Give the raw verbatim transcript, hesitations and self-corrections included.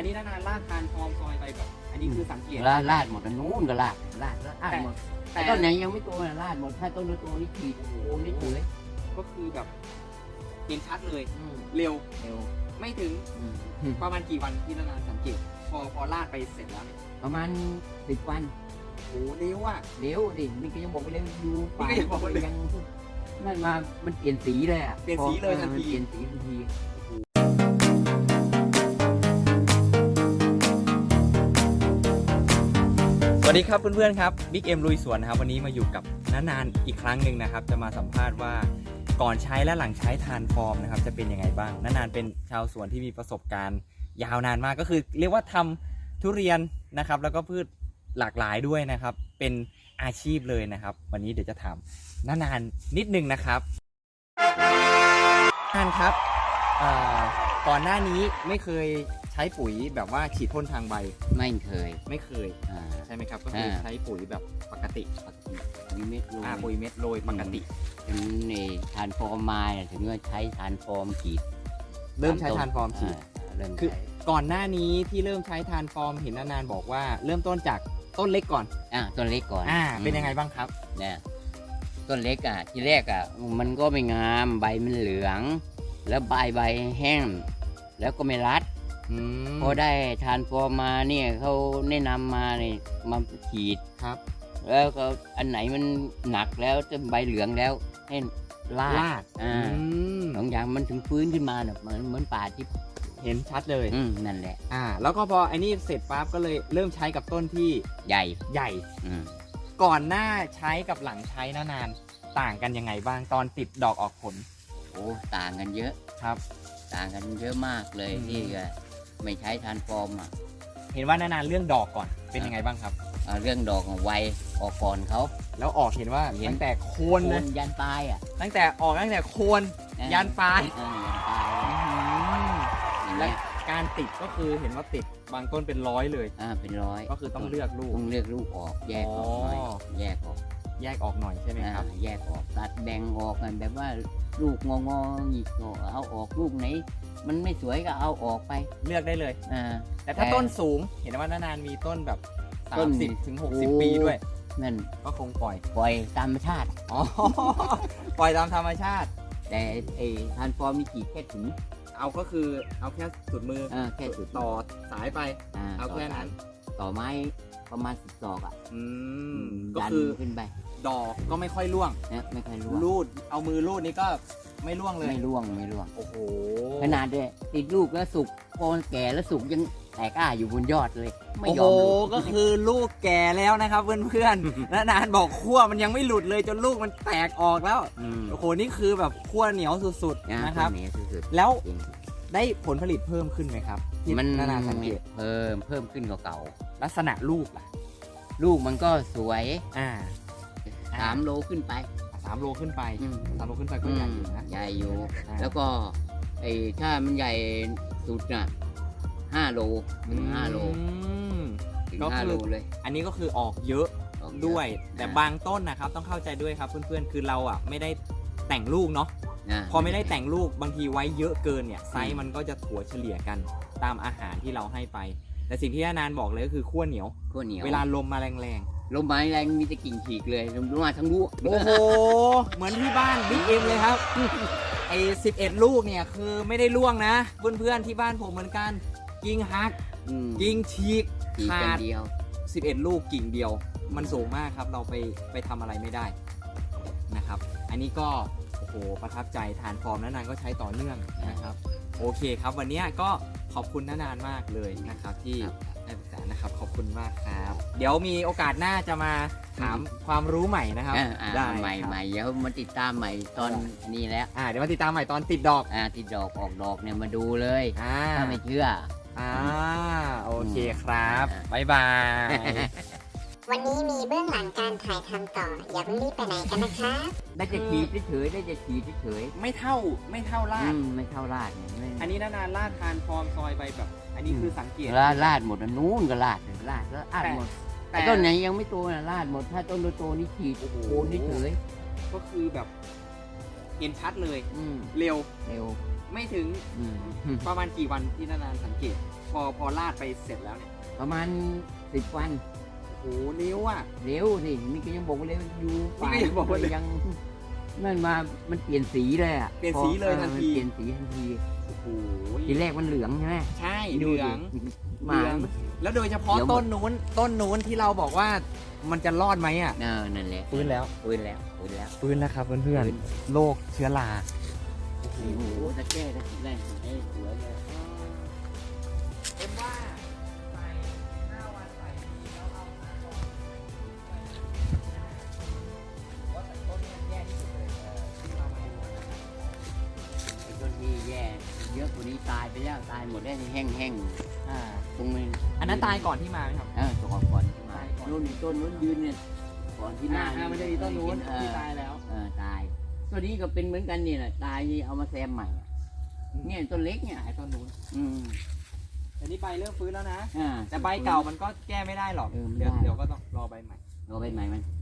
นนี้นานๆลากทานฟอร์มซอยไปแบบอันนี้คือสังเกตลาดลาดหมดอันนู้นก็ลาดลาดลาดหมดแต่ต้นไหนยังไม่โตนะลาดหมดถ้าต้นโตนี่ขีดโอ้โหนี่เฉยก็คือแบบเห็นชัดเลยอืมเร็วเร็วไม่ถึงอืมประมาณกี่วันที่นานๆสังเกต พอพอลากไปเสร็จแล้วเนี่ยประมาณสิบวันโอ้เร็วอ่ะเร็วดินี่ก็ยังบอกไปเร็วอยู่นี่ก็ยังบอกไปเร็วยังนั่นมามันเปลี่ยนสีเลยอ่ะเปลี่ยนสีเลยทันทีมันเปลี่ยนสีทันทีสวัสดีครับเพื่อนๆครับบิ๊กเอ็มลุยสวนนะครับวันนี้มาอยู่กับน้านานอีกครั้งหนึ่งนะครับจะมาสัมภาษณ์ว่าก่อนใช้และหลังใช้ทานฟอร์มนะครับจะเป็นยังไงบ้างน้านานเป็นชาวสวนที่มีประสบการณ์ยาวนานมากก็คือเรียกว่าทำทุเรียนนะครับแล้วก็พืชหลากหลายด้วยนะครับเป็นอาชีพเลยนะครับวันนี้เดี๋ยวจะถามน้านานนิดนึงนะครับน้านครับก่อนหน้านี้ไม่เคยใช้ปุ๋ยแบบว่าฉีดพ่นทางใบไม่เคยไม่เคยอ่าใช่ไหมครับก็คือใช้ปุ๋ยแบบปกติปุ๋ยเม็ดโรยอ่าปุ๋ยเม็ดโรยปกติถึงในทานฟอร์มมาเนี่ยถึงก็ใช้ทานฟอร์มฉีดเริ่มใช้ทานฟอร์มฉีดอ่าเริ่มคือใช้ก่อนหน้านี้ที่เริ่มใช้ทานฟอร์มเห็นนานๆบอกว่าเริ่มต้นจากต้นเล็กก่อนอ่าต้นเล็กก่อนอ่าเป็นยังไงบ้างครับเนี่ยต้นเล็กอ่ะทีแรกอ่ะมันก็ไม่งามใบมันเหลือง แล้วใบใบแห้งแล้วก็ไม่รัดอืมพอได้ทานฟอร์มมาเนี่ยเขาแนะนำมาเนี่ยมาฉีดครับแล้วก็อันไหนมันหนักแล้วจะใบเหลืองแล้วให้ลาดลาดอ่าอืมสองอย่างมันถึงฟื้นขึ้นมาเนี่ยเหมือนเหมือนป่าที่เห็นชัดเลยอืมนั่นแหละอ่าแล้วก็พอไอ้นี่เสร็จปั๊บก็เลยเริ่มใช้กับต้นที่ใหญ่ใหญ่อืมก่อนหน้าใช้กับหลังใช้นานๆต่างกันยังไงบ้างตอนติดดอกออกผลโอ้ต่างกันเยอะครับต่างกันเยอะมากเลยอืมที่จะไม่ใช้ทานฟอร์มอ่ะเห็นว่านานๆเรื่องดอกก่อนเป็นยังไงบ้างครับเอ่อเรื่องดอกของไวออกก่อนเขาแล้วออกเห็นว่าเห็นตั้งแต่โคนโคเลยนยันปลายอ่ะตั้งแต่ออกตั้งแต่โคนอ่ะยันปลายเออยันปลายอย่างและเงี้ยการติดก็คือเห็นว่าติดบางต้นเป็นร้อยเลยอ่าเป็นร้อยก็คือต้องเลือกลูกต้องเลือกลูกออกแยกออกหน่อยอ๋อแยกออกแยกออกหน่อยใช่ไหมครับอ่าแยกออกตัดแบ่งออกกันแบบว่าลูกงองอหงิกก็เอาออกลูกไหน มันไม่สวยก็เอาออกไปเลือกได้เลยอ่าแต่ถ้าต้นสูงเห็นว่านานๆมีต้นแบบต้นสามสิบถึงหกสิบโอ้ปีด้วยนั่นก็คงปล่อยปล่อยตามธรรมชาติอ๋อ ปล่อยตามธรรมชาติแต่ไอ้ทานฟอร์มมีกี่แค่ถึงเอาก็คือเอาแค่สุดมืออ่าแค่สุดต่อสายไปอ่าเอาต่อแค่นั้สายนต่อไม้ประมาณสิบดอกอ่ะอืมก็ดันคือขึ้นไปดอกก็ไม่ค่อยร่วงนะไม่ค่อยร่วงรูดเอามือรูดนี่ก็ไม่ร่วงเลยไม่ร่วงไม่ร่วงโอ้โหขนาดเนี่ยติดลูกแล้วสุกพอแก่แล้วสุกยังแตกอ้าอยู่บนยอดเลย ไม่โอ้ยโหอมหลุดก็คือลูกแก่แล้วนะครับเพื่อนๆ และนานบอกขั้วมันยังไม่หลุดเลยจนลูกมันแตกออกแล้วมโอ้โหนี่คือแบบขั้วเหนียวสุดๆนะครับตัวนี้สุดแล้วๆจริงได้ผลผลิตเพิ่มขึ้นไหมครับที่มันนานๆสังเกตเพิ่มเพิ่มขึ้นกว่าเก่าลักษณะลูกล่ะลูกมันก็สวยอ่าสามโลขึ้นไปสามโลขึ้นไปอืมสามโลขึ้นไปก็ใหญ่อยู่นะใหญ่อยู่อ่าแล้วก็ไอ้ถ้ามันใหญ่สุดน่ะห้าโลถึงห้าโลอืมถึงก็คือห้าโลเลยอันนี้ก็คือออกเยอะออกเอะด้วย แต่อ่บางต้นนะครับต้องเข้าใจด้วยครับเพื่อนๆคือเราอ่ะไม่ได้แต่งลูกเนาะอ่าพอไม่ได้แต่งลูกบางทีไว้เยอะเกินเนี่ยไซส์มันก็จะถัวเฉลี่ยกันตามอาหารที่เราให้ไป แต่สิ่งที่นานบอกเลยก็คือขั้วเหนียวขั้วเหนียวเวลาลมมาแรงลมไม้แรงมีแต่กิ่งฉีกเลยลมมาทั้งลูกๆ โอ้โห เหมือนที่บ้านบิ๊กเอ็มเลยครับ ไอ้สิบเอ็ดลูกเนี่ยคือไม่ได้ล่วงนะ เพื่อนๆที่บ้านผมเหมือนกันกิ่งหักอืมกิ่งฉีกฉีกขากันดเดียวสิบเอ็ดลูกกิ่งเดียว มันสูงมากครับเราไปไปทำอะไรไม่ได้นะครับ อันนี้ก็โอ้โหประทับใจทานฟอร์มนานๆก็ใช้ต่อเนื่องนะครับโอเคครับวันนี้ก็ขอบคุณนานๆมากเลยนะครับที่ครับให้ปรึกษานะครับขอบคุณมากครับ เดี๋ยวมีโอกาสหน้าจะมาถามความรู้ใหม่นะครับอ่าอ่าได้ใหม่ครับใหม่เดี๋ยวมาติดตามใหม่ตอนนี้แล้วอ่าเดี๋ยวมาติดตามใหม่ตอนติดดอกอ่าติดดอกออกดอกเนี่ยมาดูเลยอ่าถ้าไม่เชื่ออ่าโอเคครับอ่าบ๊ายบายวันนี้มีเบื้องหลังการถ่ายทำต่อ อย่าเพิ่งรีบไปไหนกันนะคะได้จะขีดเฉยๆได้จะขีดเฉยไม่เท่าไม่เท่าๆลาอืดมไม่เท่าลาดเนี่ยไม่อันนี้นานๆลาดทานฟอร์มซอยไปแบบ อันนี้คือสังเกตลาดลาดหมดอันนู้นก็ลาดลาดแล้วลาดหมดแต่แต่ต้นไหนยังไม่โตนะลาดหมดถ้าต้นโตๆนี่ขีดโอ้โหโคนเฉยก็คือแบบเห็นชัดเลยๆอืมเร็วเร็วไม่ถึงอืมประมาณกี่วันที่นานๆสังเกตพอพอลาดไปเสร็จแล้วเนี่ยประมาณสิบวันโอ้โหนิ้วอ่ะเร็วสินี่ก็ยังบอกว่าเร็วอยู่ป่านี่ก็ยังบอกว่าเร็วยังนั่นมามันเปลี่ยนสีเลยอ่ะเปลี่ยนสีเลยพอทันทีเปลี่ยนสีทันทีโอ้โหทีแรกมันเหลืองใช่ไหมใช่ดูเหลืดิองหมาเหลือง แล้วโดยเฉพาะเดี๋ยวต้นนู้นต้นนู้นที่เราบอกว่ามันจะรอดไหมอ่ะเออนั่นแหละฟื้นแล้วฟื้นแล้วฟื้นแล้วฟื้นแล้วครับเพื่อนๆโรคเชื้อราโอ้โหตะแก้ตะแรกไอ้สวยเลยเป็นว่าใส่ห้าวันใส่ทีแล้วเอามาก่อนว่าแต่ต้นนี้แย่ที่สุดเลยเออที่เรามาดูนะครับไอ้ต้นที่แย่เยอะกว่านี้ตายไปแล้วตายหมดแล้วแห้งแห้งอ่าๆตรงนี้อันนั้นตายก่อนที่มาไหมครับเออตัวก่อนที่มาตายก่อนนู่นต้นนู้นยืนเนี่ยก่อนที่หน้าอ่ามันจะมีต้นนู้นเอที่อตายแล้วเออตายตัวนี้ก็เป็นเหมือนกันนี่แหละตายนี่เอามาแซมใหม่อะเนี่ยต้นเล็กเนี่ยตายต้นนู้นอืมแต่นี่ใบเริ่มฟื้นแล้วนะอ่าแต่ใบเก่ามันก็แก้ไม่ได้หรอกเออไม่เดี๋ยวได้เดี๋ยวก็ต้องรอใบใหม่รอใบใหม่มัน